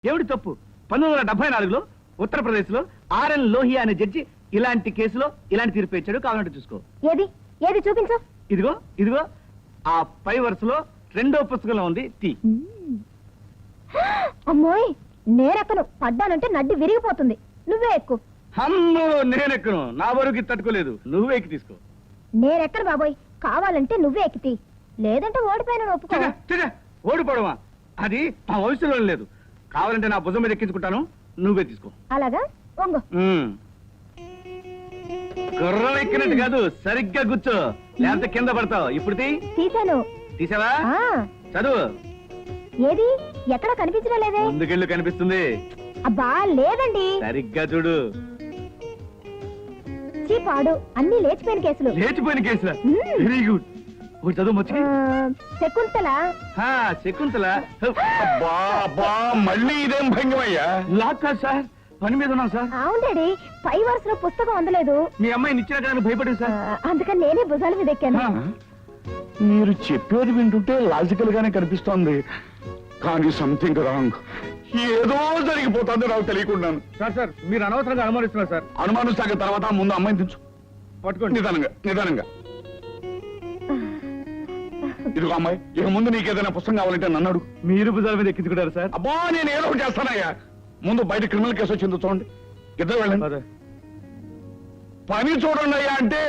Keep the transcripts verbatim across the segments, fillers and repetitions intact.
ఏమిటి తప్పు? పంతొమ్మిది వందల డెబ్బై నాలుగులో ఉత్తరప్రదేశ్ లో ఆర్ఎన్ లోహియా అనే జడ్జి ఇలాంటి కేసులో ఇలాంటి తీర్పు ఇచ్చాడు. కావాలంటే చూసుకో. ఏది ఏది చూపించు. ఇదిగో ఇదిగో ఆ పై వరుసలో రెండో పుస్తకంలో ఉంది. తీ. అమ్మోయ్, నేనెక్కను. పడ్డానంటే నడ్డి విరిగిపోతుంది. నువ్వే ఎక్కు. అమ్మో, నేనెక్కను. నా వరకు తట్టుకోలేదు. నువ్వే ఎక్కి తీసుకో. నేనెక్కను బాబోయ్. కావాలంటే నువ్వే ఎక్కితి, లేదంటే ఓడిపోయిన ఒప్పుకో. ఓడిపోవడమా? అది మా వయసులో లేదు. కావాలంటే నా భుజం మీద ఎక్కించుకుంటాను. నువ్వే తీసుకో. అలాగా? వంగు. గుర్రం ఎక్కినట్టు కాదు, సరిగ్గా కూర్చో, లేకపోతే కింద పడతావు. ఇప్పుడు తీసాను. తీసావా? చదువు. ఏది? ఎక్కడ కనిపించడం లేదే. ముందుకెళ్ళు, కనిపిస్తుంది. అబ్బా లేదండి. సరిగ్గా చూడు. చీపాడు, అన్ని లేచిపోయిన కేసులు. లేచిపోయిన కేసులా? Very good. ఒక చదువు వచ్చి. శకుంతల. శకుంతల. అబ్బా అబ్బా, మళ్ళీ ఇదేం భంగమయ్యా? లాక్ కాదు సార్, పని మీద ఉన్నాం సార్. అవును డాడీ, పై వరుసలో పుస్తకం అందలేదు. మీ అమ్మాయిని ఇచ్చిన కానీ భయపడింది సార్. అందుకని నేనే భుజాల మీద ఎక్కాను. మీరు చెప్పేది వింటుంటే లాజికల్ గానే కనిపిస్తోంది, కానీ సంథింగ్ రాంగ్. ఏదో జరిగిపోతుంది నాకు తెలియకుండాను. సార్ సార్ మీరు అనవసరంగా అనుమానిస్తున్నారు సార్. అనుమానిస్తాక తర్వాత ముందు అమ్మాయిని తెచ్చు. పట్టుకోండి. నిదానంగా నిదానంగా. ఇదిగో అమ్మాయి, ఇక ముందు నీకేదైనా పుస్తకం కావాలంటే నన్ను అడుగు. మీరు భుజాల మీద ఎక్కించుకుంటారు సార్. అబ్బా, నేను ఏదో ఒకటి చేస్తానయ్యా. ముందు బయట క్రిమినల్ కేసు వచ్చిందో చూడండి. ఇద్దరు వెళ్ళండి. పని చూడండి అయ్యా అంటే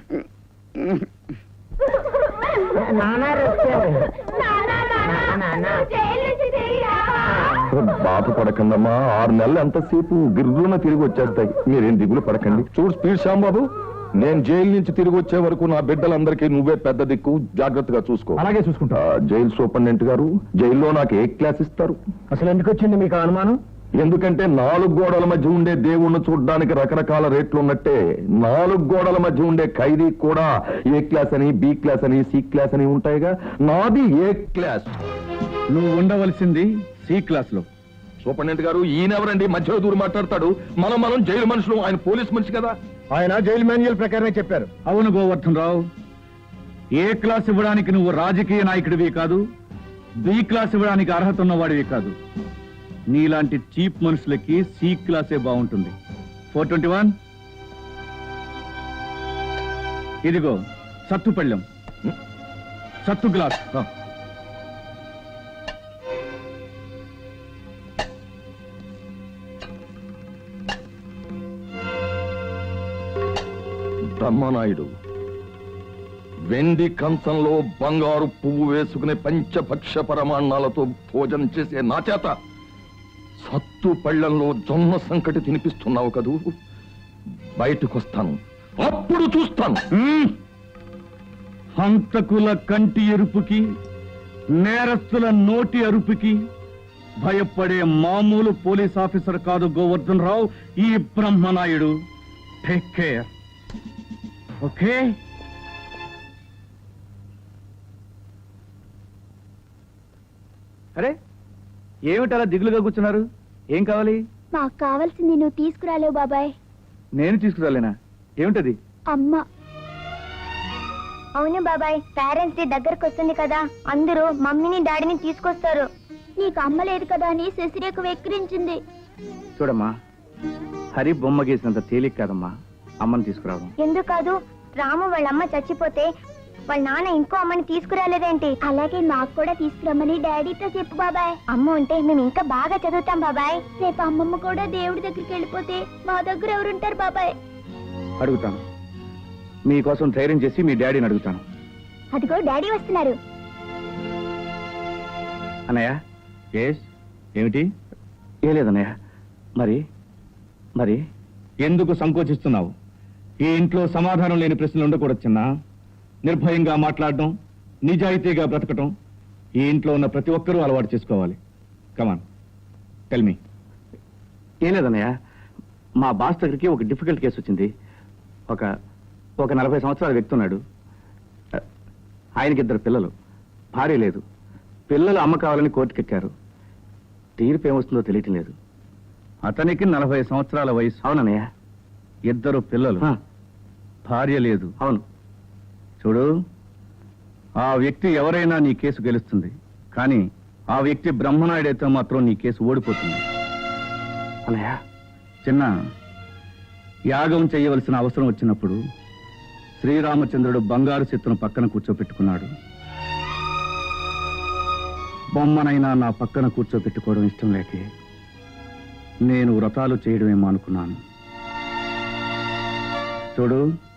బాధ పడకండమ్మా. ఆరు నెలలు ఎంతసేపు గిర్రున తిరిగి వచ్చేస్తాయి. మీరేం దిగులు పడకండి. చూడు స్పీడ్ శ్యాంబాబు, నేను జైలు నుంచి తిరిగి వచ్చే వరకు నా బిడ్డలందరికీ నువ్వే పెద్ద దిక్కు. జాగ్రత్తగా చూసుకో. అలాగే చూసుకుంటా. జైలు సూపరింటెండెంట్ గారు, జైల్లో నాకు ఏ క్లాస్ ఇస్తారు? అసలు ఎందుకు వచ్చింది మీకు అనుమానం? ఎందుకంటే నాలుగు గోడల మధ్య ఉండే దేవుణ్ణి చూడడానికి రకరకాల రేట్లు ఉన్నట్టే నాలుగు గోడల మధ్య ఉండే ఖైదీ కూడా ఏ క్లాస్ అని, బి క్లాస్ అని, సి క్లాస్ అని ఉంటాయిగా. నాది ఏ క్లాస్. నువ్వు ఉండవలసింది సి క్లాస్ లో. సూపరింటెండెంట్ గారు, ఈయనెవరండి మధ్యలో దూరం మాట్లాడతాడు? మనం మనం జైలు మనుషులు, ఆయన పోలీస్ మనిషి కదా. ఆయన జైలు మాన్యువల్ ప్రకారమే చెప్పారు. అవును గోవర్ధన్ రావు, ఏ క్లాస్ ఇవ్వడానికి నువ్వు రాజకీయ నాయకుడివి కాదు, బి క్లాస్ ఇవ్వడానికి అర్హత ఉన్నవాడివి కాదు. నీలాంటి చీప్ మనుషులకి సి క్లాసే బాగుంటుంది. ఫోర్ ట్వంటీ వన్ ఇదిగో సత్తు పళ్ళెం, సత్తు గ్లాస్. బ్రహ్మనాయుడు వెండి కంచంలో బంగారు పువ్వు వేసుకునే పంచభక్ష పరమాన్నాలతో భోజనం చేసే నా చేత సత్తు పళ్ళంలో జొన్న సంకటి తినిపిస్తున్నావు కదూ. బయటకొస్తాను, అప్పుడు చూస్తాను. హంతకుల కంటి ఎరుపుకి, నేరస్తుల నోటి అరుపుకి భయపడే మామూలు పోలీస్ ఆఫీసర్ కాదు గోవర్ధన్ రావు ఈ బ్రహ్మనాయుడు. Take care. ఓకే? అరే, ఏమిటి అలా దిగులుగా కూర్చున్నారు? ఏం కావాలి? మాకు కావాల్సింది నువ్వు తీసుకురాలేవు బాబాయ్. నేను తీసుకురాలేనా? ఏమిటది? అమ్మ. అవును బాబాయ్, పేరెంట్స్ డే దగ్గరకు వస్తుంది కదా, అందరూ మమ్మీని డాడీని తీసుకొస్తారు. నీకు అమ్మ లేదు కదా అని శశిరేఖ వెక్కిరించింది. చూడమ్మా, హరి బొమ్మ గీసినంత తేలిక కాదమ్మా అమ్మని తీసుకురావడం. ఎందుకు కాదు? రాము వాళ్ళ అమ్మ చచ్చిపోతే వాళ్ళ నాన్న ఇంకో అమ్మని తీసుకురాలేదేంటి? అలాగే మాకు కూడా తీసుకురమ్మని డాడీతో చెప్పు బాబాయ్. అమ్మ ఉంటే మేము ఇంకా బాగా చదువుతాం బాబాయ్. రేపు అమ్మమ్మ కూడా దేవుడి దగ్గరికి వెళ్ళిపోతే మా దగ్గర ఎవరుంటారు బాబాయ్? అడుగుతాను. మీకోసం ధైర్యం చేసి మీ డాడీని అడుగుతాను. అదిగో డాడీ వస్తున్నారు. అన్నయ్య. ఎస్. ఏమిటి? ఏ లేదన్నయ్య. మరి మరి ఎందుకు సంకోచిస్తున్నావు? ఈ ఇంట్లో సమాధానం లేని ప్రశ్నలు ఉండకూడదు చిన్న. నిర్భయంగా మాట్లాడడం, నిజాయితీగా బ్రతకటం ఈ ఇంట్లో ఉన్న ప్రతి ఒక్కరూ అలవాటు చేసుకోవాలి. Come on, tell me. ఏం లేదన్నయ్య, మా బాస్ దగ్గరికి ఒక డిఫికల్ట్ కేసు వచ్చింది. ఒక ఒక నలభై సంవత్సరాల వ్యక్తి ఉన్నాడు. ఆయనకి ఇద్దరు పిల్లలు, భార్య లేదు. పిల్లలు అమ్మ కావాలని కోర్టుకెక్కారు. తీర్పు ఏమొస్తుందో తెలియటం లేదు. అతనికి నలభై సంవత్సరాల వయసు. అవునన్నయ్య. ఇద్దరు పిల్లలు, భార్య లేదు. అవును. చూడు, ఆ వ్యక్తి ఎవరైనా నీ కేసు గెలుస్తుంది, కానీ ఆ వ్యక్తి బ్రహ్మనాయుడైతే మాత్రం నీ కేసు ఓడిపోతుంది. అన్నయ్య, చిన్న యాగం చేయవలసిన అవసరం వచ్చినప్పుడు శ్రీరామచంద్రుడు బంగారు చిత్రం పక్కన కూర్చోపెట్టుకున్నాడు. బొమ్మనైనా నా పక్కన కూర్చోపెట్టుకోవడం ఇష్టం లేకే నేను వ్రతాలు చేయడమేమో అనుకున్నాను. చూడు,